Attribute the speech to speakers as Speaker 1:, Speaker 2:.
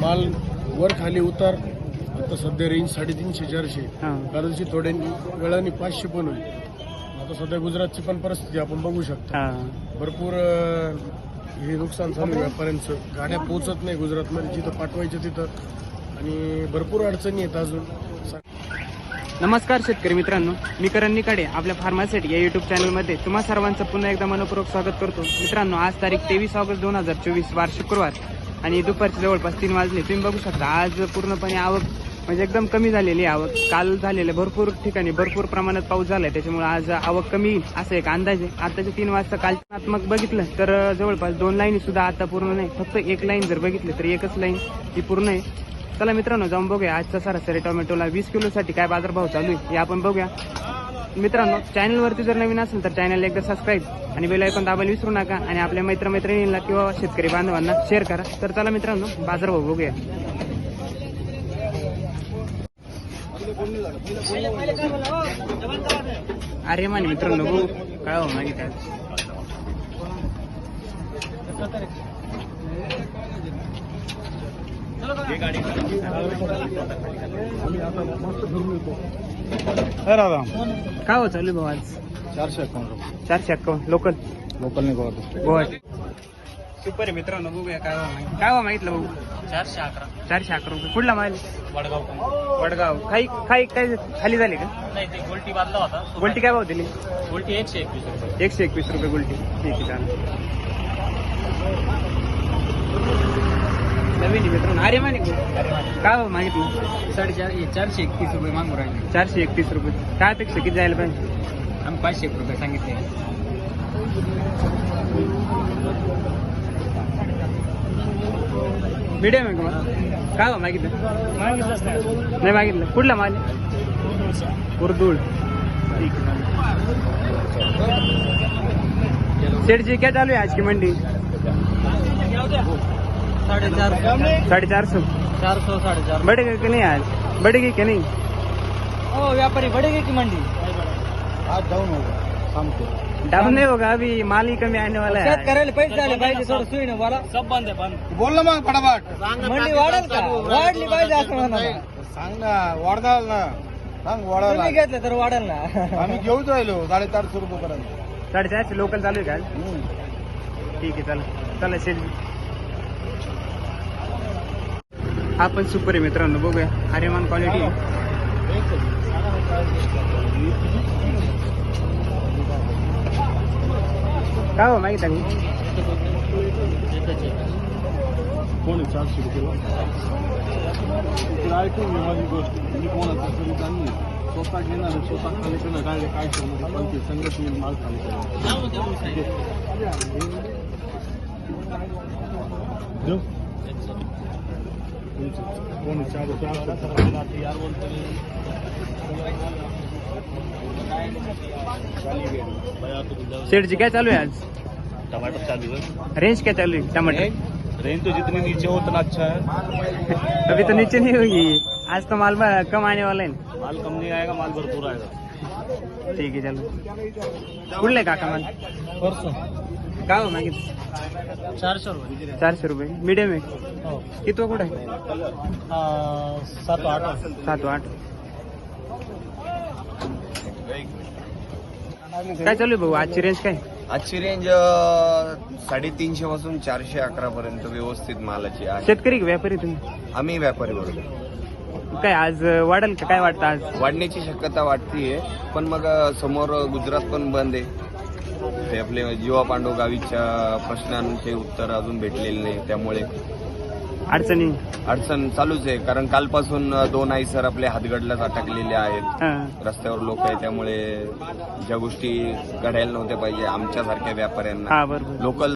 Speaker 1: माल वर खाली उतार. आता सध्या रेंज 350-400. कदाचित थोड्या वेळाने 500 पण होईल. आता सध्या गुजरातची पण परिस्थिती आपण बघू शकतो. भरपूर हे नुकसान चालू आहे व्यापाऱ्यांचं. गाड्या पोहोचत नाही गुजरातमध्ये जिथं पाठवायचं तिथं, आणि भरपूर अडचणी आहेत अजून.
Speaker 2: नमस्कार शेतकरी मित्रांनो, मी करण निकाडे आपल्या फार्मासेट या युट्यूब चॅनलमध्ये तुम्हा सर्वांचं पुन्हा एकदा मनपूर्वक स्वागत करतो. मित्रांनो, आज तारीख 23 ऑगस्ट 2024 वार शुक्रवार आणि दुपारचे जवळपास 3 वाजले. तुम्ही बघू शकता आज पूर्णपणे आवक म्हणजे एकदम कमी झालेली आवक. काल झालेले भरपूर ठिकाणी भरपूर प्रमाणात पाऊस झालाय, त्याच्यामुळे आज आवक कमी येईल असं एक अंदाज आहे. आताच्या 3 वाजता कालनात्मक बघितलं तर जवळपास 2 लाईन सुद्धा आता पूर्ण नाही, फक्त एक लाईन जर बघितली तर एकच लाईन ही पूर्ण आहे. चला मित्रांनो, जाऊन बघूया आजचा सरासरी टोमॅटोला 20 किलोसाठी काय बाजारभाव चालू आहे हे आपण बघूया. मित्रांनो, चॅनलवरती जर नवीन असेल तर चॅनल एकदा सबस्क्राईब आणि बेल आयकॉन दाबायला विसरू नका, आणि आपल्या मित्रमैत्रिणींना किंवा शेतकरी बांधवांना शेअर करा. तर चला मित्रांनो, बाजारभाव बघूया. अरे मान मित्रांनो, बघू काय हो मागे काय काय हो चालू भाऊ आज? 451 लोकल
Speaker 1: नाही
Speaker 2: गुवाहाटी. सुपर आहे मित्रांनो, बघूया काय हो मागितलं भाऊ? 411 रुपये. कुठला माल? वडगाव. काही काही काय खाली झाले का?
Speaker 3: नाही, ते गोल्टी बांधला होता.
Speaker 2: गोल्टी काय भाव दिली?
Speaker 3: गोल्टी 121 रुपये.
Speaker 2: 121 रुपये गोल्टी. ठीक आहे, चालेल. नवीन मित्रांनो, अरे माने काय हो मागितलं?
Speaker 3: 431 रुपये मागू राहिले.
Speaker 2: 431 रुपये. काय अपेक्षा किती जायला पाहिजे?
Speaker 3: आम्ही 501 रुपये सांगितले.
Speaker 2: मीडियम आहे का मग? काय हो मागितलं? नाही मागितलं. कुठला माल? उर्दूळ. ठीक आहे, सेठ जी क्या चालू है आज की मंडी?
Speaker 3: 450.
Speaker 2: 450.
Speaker 3: 400 450.
Speaker 2: बढ़ेगा कि नहीं आज? बढ़ेगी कि नहीं?
Speaker 3: ओ व्यापारी बढ़ेगी की मंडी?
Speaker 1: आज डाऊन होगा शाम को.
Speaker 2: डाऊन नहीं होगा, अभी माल ही कमी आने वाला है.
Speaker 3: शेतकऱ्याला पैसे आले पाहिजे, थोडं सुई ना बोला. सब बंद आहे, बंद.
Speaker 1: बोल ना मग फटाफट.
Speaker 3: मंडी वाढेल का? वाढली पाहिजे असं म्हणा.
Speaker 1: सांग ना, वाढदाल ना. सांग वाढायला.
Speaker 3: तुम्ही घेतलं तर वाढेल ना.
Speaker 1: आम्ही घेऊच राहिलो 450 रुपये पर्यंत.
Speaker 2: 450 लोकल चालू आहे का? ठीक आहे, चला चला शेठ. हा पण सुपर आहे मित्रांनो, बघूया. आर्यमान क्वालिटी. काय हो माहिती आहे?
Speaker 1: कोण 400 रुपये ऐकून माझी गोष्ट. मी कोणाचा तरी जाणली स्वतः घेणार, स्वतः खाली करणार. डायरेक्ट काय पण संगत येईल माल खाली कोण 400.
Speaker 2: सेठ जी क्या चालू है आज?
Speaker 3: टमाटर चालू है.
Speaker 2: रेंज क्या चालू है टमाटर?
Speaker 3: रेंज तो जितनी नीचे हो उतना अच्छा है.
Speaker 2: अभी तो नीचे नहीं होगी, आज तो माल कम आने वाला है.
Speaker 3: माल कम नहीं आएगा, माल भरपूर आएगा.
Speaker 2: ठीक है, चलो. कुठले काका माल?
Speaker 3: परसों
Speaker 2: काय हो मागित?
Speaker 3: 400 रुपये.
Speaker 2: 400 रुपये. मीडियम आहे.
Speaker 3: हो.
Speaker 2: किती कुठं आहे?
Speaker 3: 7-8.
Speaker 2: 7-8. काय चालू आहे भाऊ आजची रेंज काय?
Speaker 4: आजची रेंज 350 पासून 411 पर्यंत व्यवस्थित मालाची आहे.
Speaker 2: शेतकरी का व्यापारी तुम्ही?
Speaker 4: आम्ही व्यापारी बरोबर.
Speaker 2: काय आज वाढेल का? काय वाटतं आज?
Speaker 4: वाढण्याची शक्यता वाटतीये, पण मग समोर गुजरात पण बंद आहे. ते आपले जीवा पांडव गावीच्या प्रश्नांचे उत्तर अजून भेटलेले नाही, त्यामुळे अडचण चालूच आहे. कारण कालपासून 2 आईसर आपले हातगडलाच अटकलेले आहेत. रस्त्यावर लोक आहे, त्यामुळे ज्या गोष्टी घडायला नव्हत्या पाहिजे आमच्यासारख्या व्यापाऱ्यांना,
Speaker 2: बरोबर.
Speaker 4: लोकल